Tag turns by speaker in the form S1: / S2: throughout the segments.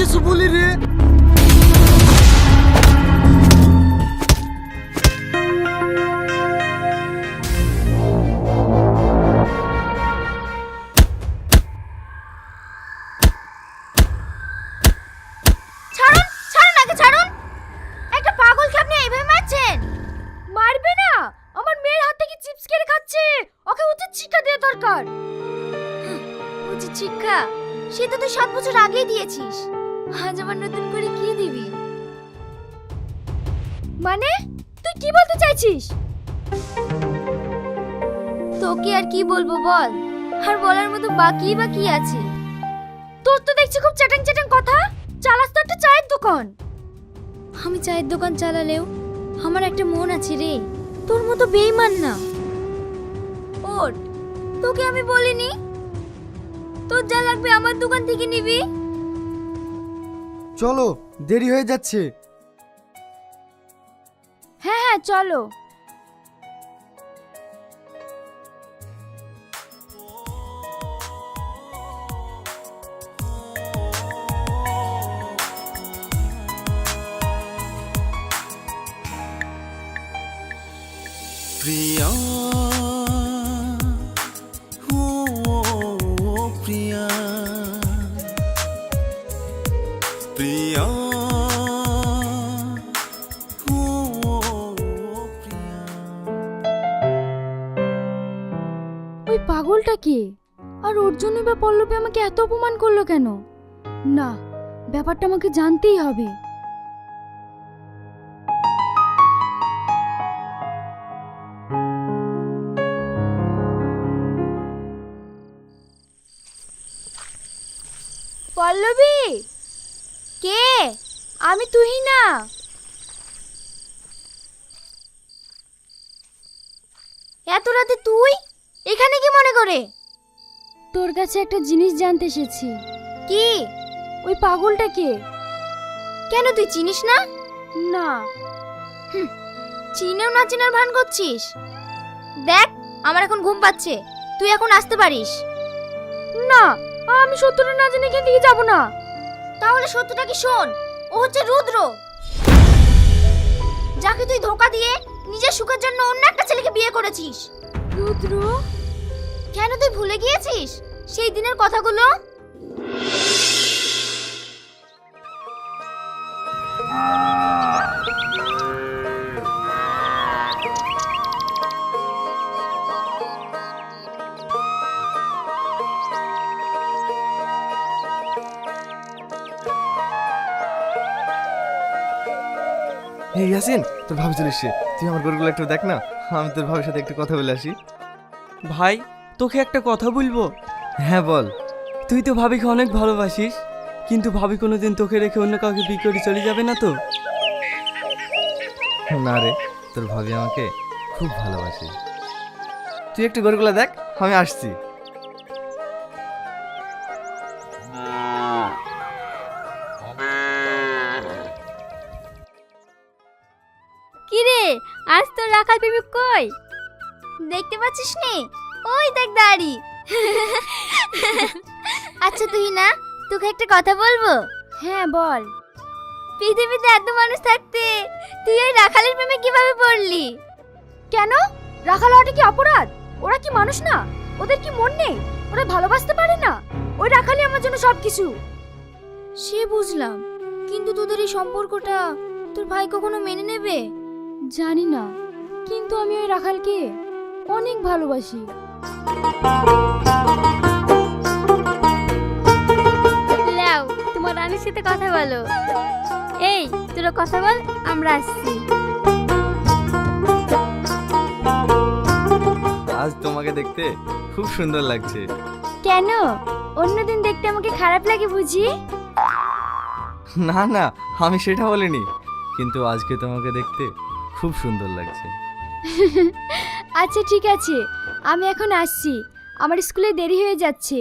S1: কিছু বলি রে।
S2: ছাড়ুন, ছাড়ুন আগে ছাড়ুন। একটা পাগলকে আপনি এইভাবে মারছেন। মারবে না, আমার মেয়ের হাত থেকে চিপস কেড়ে খাচ্ছে, ওকে উচিত শিক্ষা দেওয়া দরকার। উচিত শিক্ষা সেটা তো 7 বছর আগেই দিয়েছিস, আজ আবার নতুন করে কি দিবি? মানে তুই কি বলতে চাইছিস? তোকে আর কি বলবো বল, আর বলার মতো বাকি আছে? তোর তো দেখছি খুব চ্যাটাং চ্যাটাং কথা। চালাস তো একটা চায়ের দোকান। আমি চায়ের দোকান চালালেও আমার একটা মন আছে রে, তোর মতো বেঈমান না। ওট, তোকে আমি বলিনি তোর যা লাগবে আমার দোকান থেকে নিবি?
S1: চলো, দেরি হয়ে যাচ্ছে।
S2: হ্যাঁ হ্যাঁ চলো।
S3: প্রিয়া ও প্রিয়া প্রিয়া ও প্রিয়া।
S2: ওই পাগলটা কে? আর ওর জন্যই বা পল্লবী আমাকে এত অপমান করলো কেন? না, ব্যাপারটা আমাকে জানতেই হবে। পল্লবী, কে? আমি তুহিনা। এত রাতে তুই এখানে কি মনে করে? তোর কাছে একটা জিনিস জানতে এসেছি। কি? ওই পাগলটা কে? কেন তুই চিনিস না? না। চিনেও না চিনার ভান করছিস? দেখ, আমার এখন ঘুম পাচ্ছে, তুই এখন আসতে পারিস। না, আমি সত্যটা না জেনে এখান থেকে যাব না। তাহলে সত্যটা কি শোন, ও হচ্ছে রুদ্র, যাকে তুই ধোঁকা দিয়ে নিজের সুখের জন্য অন্য একটা ছেলেকে বিয়ে করেছিস। রুদ্র? কেন তুই ভুলে গিয়েছিস সেই দিনের কথাগুলো?
S4: এই ইয়াসিন, তোর ভাবি চলে এসছে, তুই আমার গরুগুলো একটু দেখ না, আমি তোর ভাবির সাথে একটু কথা বলে আসি।
S5: ভাই, তোকে একটা কথা বলবো।
S4: হ্যাঁ বল।
S5: তুই তো ভাবিকে অনেক ভালোবাসিস, কিন্তু ভাবি কোনোদিন তোকে রেখে অন্য কাউকে বিয়ে করে চলে যাবে না তো?
S4: না রে, তোর ভাবি আমাকে খুব ভালোবাসে। তুই একটু গরুগুলো দেখ, আমি আসছি।
S2: কি রে, আজ তোর রাখাল প্রেমিক কই? দেখতে পাচ্ছিস নি? ওই দেখ দাঁড়ি। আচ্ছা তুই না, তোকে একটা কথা বলবো। হ্যাঁ বল। পৃথিবীতে এত মানুষ থাকতে তুই ওই রাখালের প্রেমে কিভাবে পড়লি? কেন? রাখাল হওয়াটা কি অপরাধ? ওরা কি মানুষ না? ওদের কি মন নেই? ওরা ভালোবাসতে পারে না? ওই রাখালই আমার জন্য সবকিছু। সে বুঝলাম, কিন্তু তোদের এই সম্পর্কটা তোর ভাই কখনো মেনে নেবে? জানি না, কিন্তু আমি ওই রাখালকে অনেক ভালোবাসি। লাও, তোমার রানীর সাথে কথা বলো। এই তোরা কথা বল, আমরা আসছি।
S4: আজ তোমাকে দেখতে খুব সুন্দর লাগছে।
S2: কেন? অন্যদিন দেখতে আমাকে খারাপ লাগে বুঝি?
S4: না না, আমি সেটা বলিনি, কিন্তু আজকে তোমাকে দেখতে খুব সুন্দর লাগছে।
S2: আচ্ছা ঠিক আছে, আমি এখন আসছি, আমার স্কুলে দেরি হয়ে যাচ্ছে।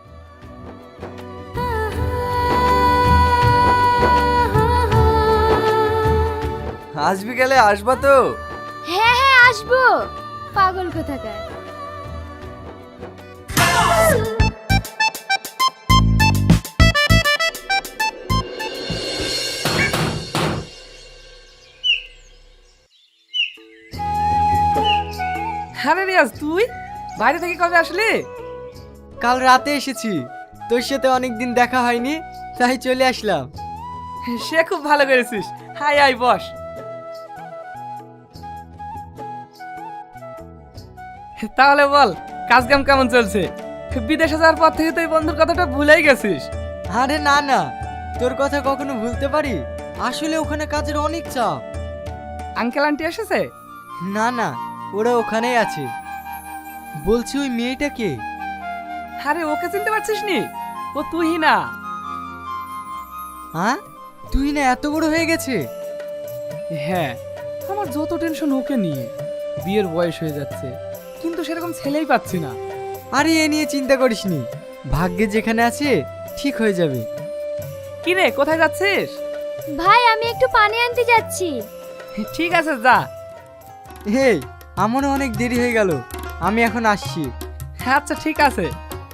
S4: আজ বিকেলে আসবা তো?
S2: হ্যাঁ হ্যাঁ আসবো, পাগল কোথাকার।
S1: আরে রিয়াজ, তুই বাইরে থেকে কবে আসলি?
S5: কাল রাতে এসেছি, তোর সাথে অনেকদিন দেখা হয়নি, তাই চলে আসলাম।
S1: সে খুব ভালো করেছিস। Hi I boss. তাহলে বল, কাজ কাম কেমন চলছে? বিদেশে যাওয়ার পর থেকে তুই বন্ধুর কথাটা ভুলেই গেছিস।
S5: আরে না না, তোর কথা কখনো ভুলতে পারি? আসলে ওখানে কাজের অনেক চাপ।
S1: আঙ্কেল আন্টি এসেছে?
S5: না না, ওরা ওখানেই আছে। বলছি ওই মেয়েটা কে?
S1: আরে ওকে চিনতে পারছিস নি? ও তুই না।
S5: হ্যাঁ, তুই না এত বড় হয়ে গেছে?
S1: হ্যাঁ, আমার যত টেনশন ওকে নিয়ে। বিয়ের বয়স হয়ে যাচ্ছে, কিন্তু সেরকম ছেলেই পাচ্ছি না।
S5: আরে এ নিয়ে চিন্তা করিসনি, ভাগ্যে যেখানে আছে ঠিক হয়ে যাবে।
S1: কি রে, কোথায় যাচ্ছিস?
S2: ভাই আমি একটু পানি আনতে যাচ্ছি।
S1: ঠিক আছে, যা।
S5: হেই, আমারও অনেক দেরি হয়ে গেল, আমি এখন আসছি।
S1: আচ্ছা ঠিক আছে।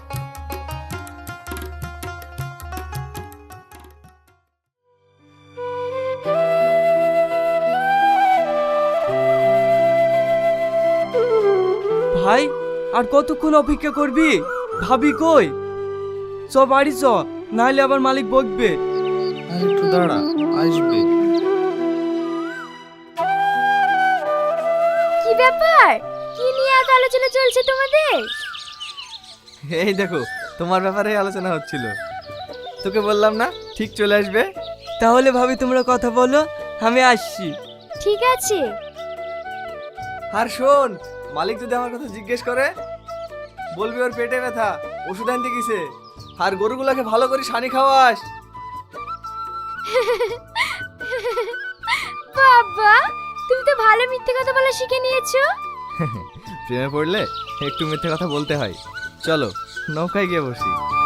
S5: ভাই, আর কতক্ষণ অপেক্ষা করবি? ভাবি কই? চ বাড়ি চ, নাহলে আবার মালিক বকবে।
S4: আর একটু দাঁড়া, আসবে।
S2: কি ব্যাপার? কি নিয়ে এত আলোচনা চলছে তোমাদের?
S4: এই দেখো, তোমার ব্যাপারে আলোচনা হচ্ছিল। তোকে বললাম না ঠিক চলে আসবে।
S5: তাহলে ভাবি তোমরা কথা বলো, আমি আসছি।
S2: ঠিক আছে।
S4: আর শোন, মালিক যদি আমার কথা জিজ্ঞেস করে, বলবি ওর পেটে ব্যথা, ওষুধ আনতে গেছে। আর গরুগুলোকে ভালো করে সানি খাওয়াস।
S2: বাবা, তুমি তো ভালো মিথ্যে কথা বলা শিখে নিয়েছো।
S4: প্রেমে পড়লে একটু মিথ্যে কথা বলতে হয়। চলো নৌকায় গিয়ে বসি।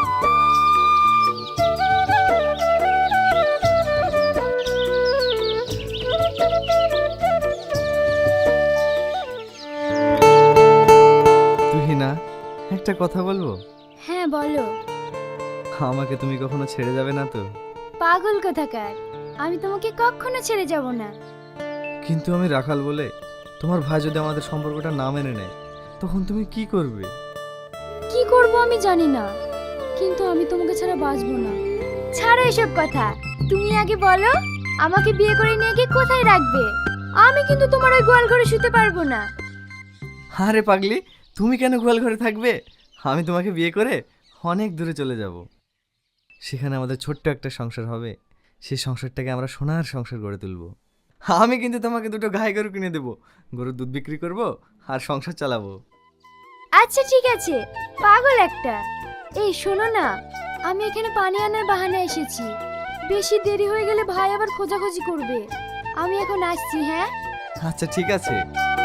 S4: তুহিনা, একটা কথা বলবো?
S2: হ্যাঁ বলো।
S4: আমাকে তুমি কখনো ছেড়ে যাবে না তো?
S2: পাগল কোথাকার, আমি তোমাকে কখনো ছেড়ে যাব না।
S4: কিন্তু আমি রাখাল বলে তোমার ভাই যদি আমাদের সম্পর্কটা না মেনে নেয়, তখন তুমি কি করবে?
S2: কি করব আমি জানি না, কিন্তু আমি তোমাকে ছাড়া বাঁচবো না। ছাড়ো এসব কথা, তুমি আগে বলো আমাকে বিয়ে করে নিয়ে গিয়ে কোথায় রাখবে? আমি কিন্তু তোমার ওই গোয়াল ঘরে শুতে পারবো না।
S4: আরে পাগলি, তুমি কেন গোয়াল ঘরে থাকবে? আমি তোমাকে বিয়ে করে অনেক দূরে চলে যাব। সেখানে আমাদের ছোট্ট একটা সংসার হবে। সেই সংসারটাকে আমরা সোনার সংসার গড়ে তুলবো। আমি কিন্তু তোমাকে দুটো গাই গরু কিনে দেবো, গরুর দুধ বিক্রি করব আর সংসার চালাবো।
S2: আচ্ছা ঠিক আছে, পাগল একটা। এই শোনো না, আমি এখানে পানি আনার বাহানায় এসেছি। বেশি দেরি হয়ে গেলে ভাই আবার খোঁজাখুঁজি করবে। আমি এখন আসছি। হ্যাঁ
S4: আচ্ছা ঠিক আছে।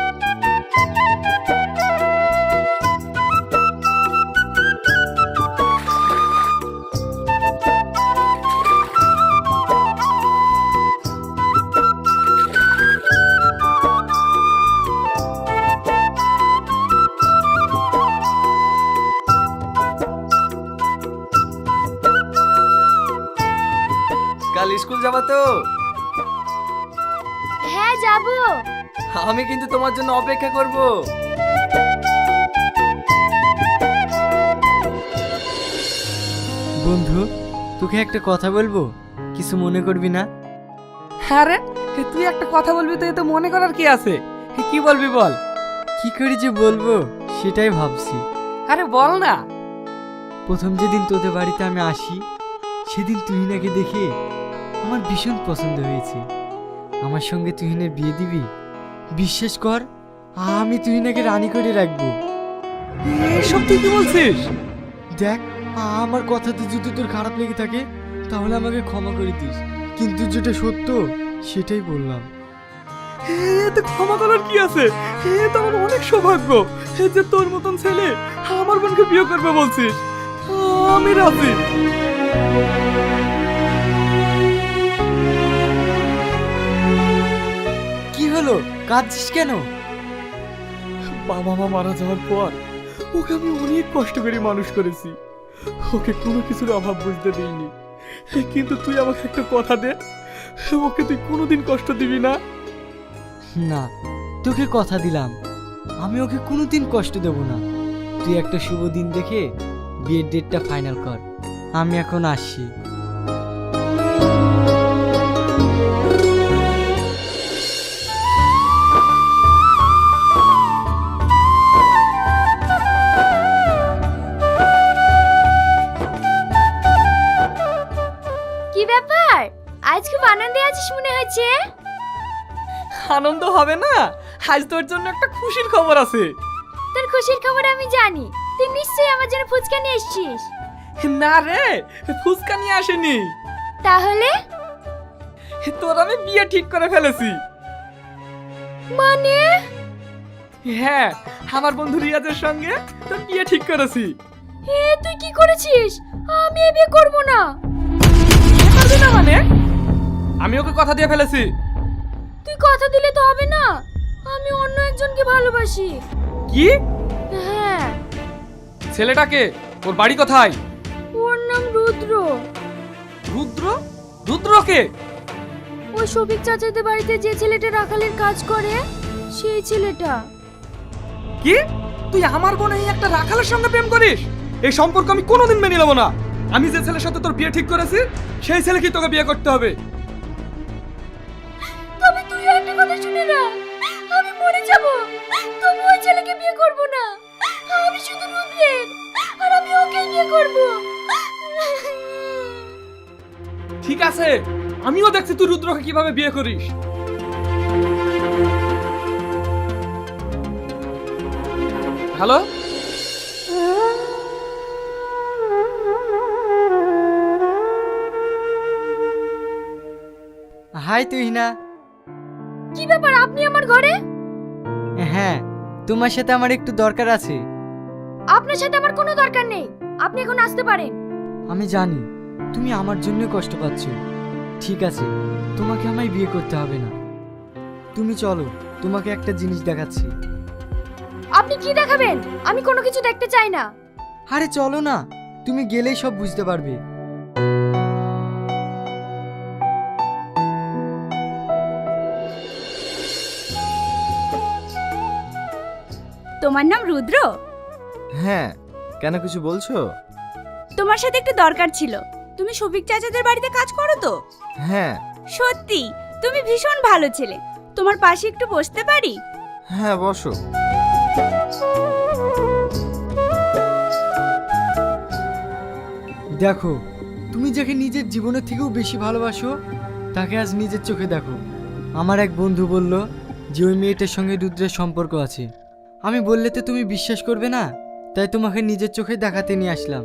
S4: কাল স্কুল যাবা তো?
S2: হ্যাঁ যাবো।
S4: আমি কিন্তু তোমার জন্য অপেক্ষা করব।
S5: বন্ধু, তোকে একটা কথা বলবো, কিছু মনে করবি না?
S1: আরে তুই একটা কথা বলবি তো, এতে মনে করার কি আছে? কি বলবি বল।
S5: কি করে যে বলবো সেটাই ভাবছি।
S1: আরে বল না।
S5: প্রথম যেদিন তোদের বাড়িতে আমি আসি, সেদিন তুহিনাকে দেখে আমার ভীষণ পছন্দ হয়েছে। আমার সঙ্গে তুহিনের বিয়ে দিবি? বিশ্বাস কর, আমি তুহিনাকে রানী করে রাখবো।
S1: এসব তুই কি বলছিস?
S5: দেখ, আমার কথাতে যদি তোর খারাপ লেগে থাকে তাহলে আমাকে ক্ষমা করে দিস, কিন্তু যেটা সত্য সেটাই বললাম।
S1: এতে ক্ষমা করার কি আছে? এ তো আমার অনেক সৌভাগ্য যে তোর মতন ছেলে আমার বোনকে বিয়ে করবে বলছিস। আমি রাজি।
S5: কি হলো, কাঁদছিস কেন?
S1: বাবা মা মারা যাওয়ার পর ওকে আমি অনেক কষ্ট করে মানুষ করেছি। ওকে কোনো কিছুর অভাব বুঝতে দিইনি, কিন্তু তুই আমাকে একটা কথা দে, ওকে তুই কোনোদিন কষ্ট দিবি না।
S5: না, তোকে কথা দিলাম, আমি ওকে কোনোদিন কষ্ট দেব না। তুই একটা শুভ দিন দেখে বিয়ের ডেটটা ফাইনাল কর। আমি এখন আসছি।
S2: কি ব্যাপার, আজ খুব আনন্দে আছিস মনে হচ্ছে।
S1: আনন্দ হবে না? আজ তোর জন্য একটা খুশির খবর আছে।
S2: তোর খুশির খবর আমি জানি, তুই নিশ্চয়ই আমার জন্য ফুচকা নিয়ে এসেছিস।
S1: না রে, ফুচকা নিয়ে আসেনি।
S2: তাহলে
S1: তোর আমি বিয়ে ঠিক করে ফেলেছি।
S2: মানে?
S1: হ্যাঁ, আমার বন্ধু রিয়াজের সঙ্গে তোর বিয়ে ঠিক করেছি।
S2: তুই কি করেছিস? আমি এ বিয়ে করব না।
S1: পারবি না মানে? আমি ওকে কথা দিয়ে ফেলেছি।
S2: তুই কথা দিলে তো হবে না, আমি অন্য একজনকে ভালোবাসি।
S1: কি?
S2: হ্যাঁ।
S1: ছেলেটাকে? ওর বাড়ি কোথায়?
S2: ওর নাম রুদ্র।
S1: রুদ্র? রুদ্রকে?
S2: ওই শফিক চাচাদের বাড়িতে যে ছেলেটা রাখালের কাজ করে, সেই ছেলেটা।
S1: কি? তুই আমার বোন এই একটা রাখালের সঙ্গে প্রেম করিস? এই সম্পর্ক আমি কোনোদিন মেনে নেব না। আমি যে ছেলের সাথে তোর বিয়ে ঠিক করেছি, সেই ছেলেকে তোকে বিয়ে করতে হবে।
S2: তবে তুই একটা কথা শুনে না, আমি মরে যাব, তবু ওই ছেলেকে বিয়ে করব না। আমি শুধু রুদ্রের, আর আমি ওকেই বিয়ে করব।
S1: ঠিক আছে, আমিও দেখছি তুই রুদ্রকে কিভাবে বিয়ে করিস। হ্যালো?
S5: হাই তুহিনা।
S2: কি ব্যাপার, আপনি আমার ঘরে?
S5: হ্যাঁ, তোমার সাথে আমার একটু দরকার আছে।
S2: আপনার সাথে আমার কোনো দরকার নেই, আপনি এখন আসতে পারেন।
S5: আমি জানি তুমি আমার জন্য কষ্ট পাচ্ছ। ঠিক আছে, তোমাকে আমায় বিয়ে করতে হবে না। তুমি চলো, তোমাকে একটা জিনিস দেখাচ্ছি।
S2: আপনি কি দেখাবেন? আমি কোনো কিছু দেখতে চাই না।
S5: আরে চলো না, তুমি গেলেই সব বুঝতে পারবে।
S6: তোমার নাম রুদ্র?
S4: হ্যাঁ, কেন কিছু বলছো?
S6: তোমার সাথে একটু দরকার ছিল। তুমি শফিক চাচাদের বাড়িতে কাজ করো তো?
S4: হ্যাঁ।
S6: সত্যি তুমি ভীষণ ভালো ছেলে। তোমার পাশে একটু বসতে পারি?
S4: হ্যাঁ, বসো।
S5: দেখো, তুমি যাকে নিজের জীবনের থেকেও বেশি ভালোবাসো, তাকে আজ নিজের চোখে দেখো। আমার এক বন্ধু বলল যে ওই মেয়েটার সঙ্গে রুদ্রের সম্পর্ক আছে। আমি বললে তো তুমি বিশ্বাস করবে না, তাই তোমাকে নিজের চোখে দেখাতে নিয়ে আসলাম।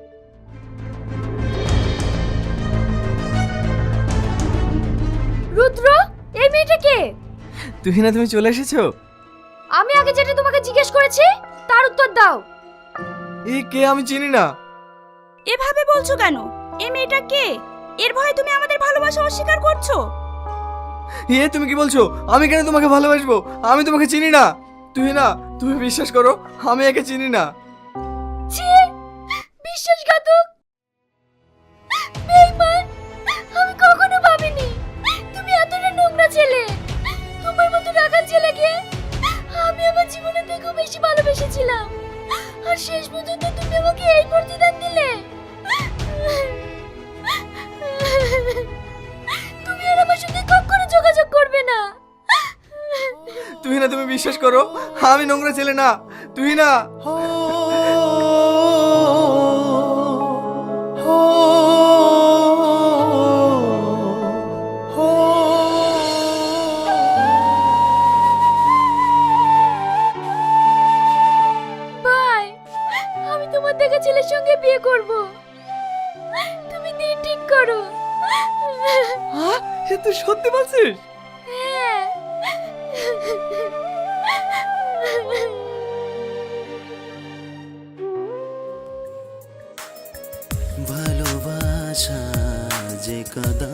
S2: রুদ্র, এই মেয়েটা কে?
S4: তুহিনা, তুমি চলে এসেছো?
S2: আমি আগে যেটা তোমাকে জিজ্ঞেস করেছি তার উত্তর দাও।
S4: এই কে? আমি চিনি না।
S6: এভাবে বলছো কেন? এই মেয়েটা কে? এর ভয়ে তুমি আমাদের ভালোবাসা অস্বীকার করছো?
S4: তুমি কি বলছো? আমি কেন তোমাকে ভালোবাসবো? আমি তোমাকে চিনি না। তুহিনা, তুমি বিশ্বাস করো, আমি একে চিনি না।
S2: ছি, বিশ্বাসঘাতক, বেঈমান। আমি কখনো ভাবিনি তুমি এতটা নোংরা ছেলে। তোমার মতো রাখাল ছেলেকে আমি আমার জীবনের থেকেও বেশি ভালোবেসেছিলাম, আর শেষ পর্যন্ত তুমি আমাকে এই প্রতিদান দিলে। তুমি আর আমার সঙ্গে কখনো যোগাযোগ করবে না।
S4: তুহিনা, তুমি বিশ্বাস করো, আমি নোংরা ছেলে না। তুহিনা।
S2: ভাই, আমি তোমার দেখা ছেলের সঙ্গে বিয়ে করব, তুমি দিন ঠিক করো।
S1: তুই সত্যি বলছিস?
S2: হ্যাঁ।
S3: ভালোবাসা যে কাদা,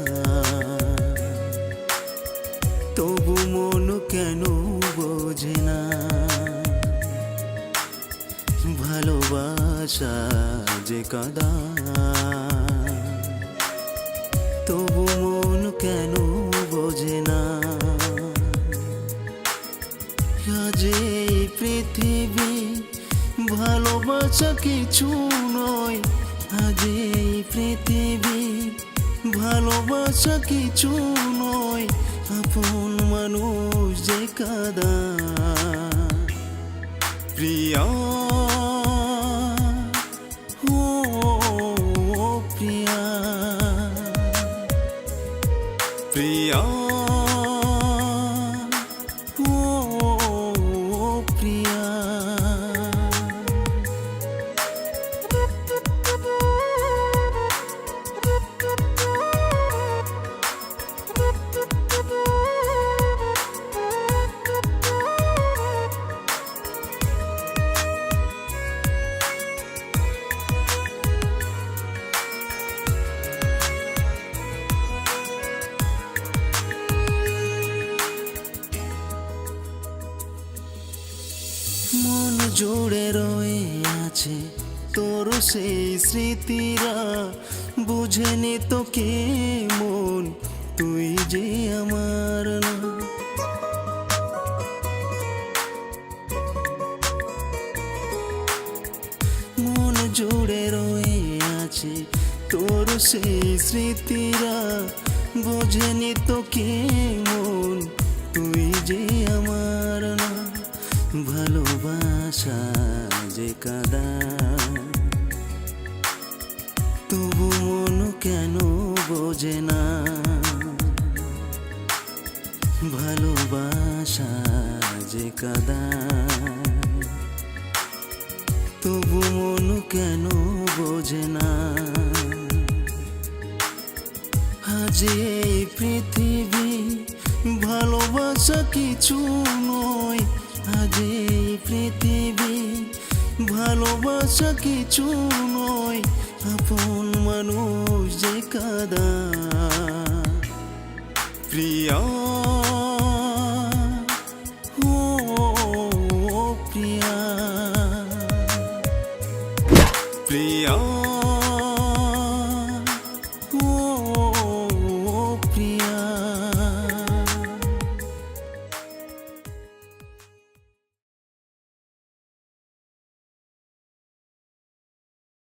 S3: তবু মন কেন বোঝে না। ভালোবাসা যে কাদা, তবু মন কেন বোঝে না। আজ এই ভালোবাসা কিছু নয় আজ এই পৃথিবী, ভালোবাসা কিছু নয় আপন মানুষ যে কাদা। প্রিয়া ও প্রিয়া, প্রিয়া ও প্রিয়া। মন জুড়ে রয়ে আছে তোর সেই স্মৃতিরা, বুঝেনি তোকে মন তুই যে আমার না। মন জুড়ে রয়ে আছে তোর সেই স্মৃতিরা, বোঝেনি তোকে মন তুই যে আমার না। ভালোবাসা যে কাদা, তবু মন কেন বোঝে না। ভালোবাসা যে কাদা, তবু মন কেন বোঝে না। আজ এই পৃথিবী ভালোবাসা কিছু নয়, আজ এই পৃথিবী ভালোবাসা কিছু নয় আপন মানুষ যে কাদা। প্রিয়া